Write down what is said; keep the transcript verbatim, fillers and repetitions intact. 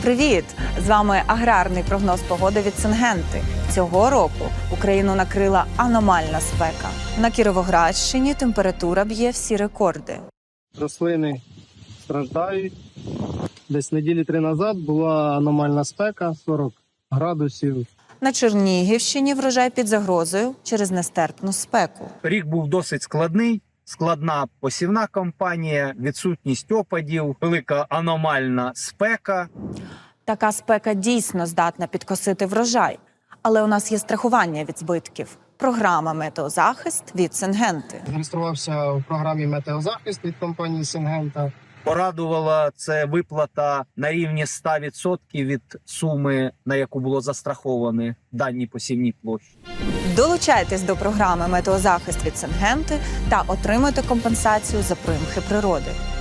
Привіт! З вами аграрний прогноз погоди від Сингенти. Цього року Україну накрила аномальна спека. На Кіровоградщині температура б'є всі рекорди. Рослини страждають. Десь неділі три назад була аномальна спека, сорок градусів. На Чернігівщині врожай під загрозою через нестерпну спеку. Рік був досить складний. Складна посівна кампанія, відсутність опадів, велика аномальна спека. Така спека дійсно здатна підкосити врожай. Але у нас є страхування від збитків. Програма «Метеозахист» від Сингенти. Реєструвався в програмі «Метеозахист» від компанії «Сингента». Порадувала це виплата на рівні ста відсотків від суми, на яку було застраховані дані посівні площі. Долучайтесь до програми «Метеозахист» від Сингенти та отримуйте компенсацію за примхи природи.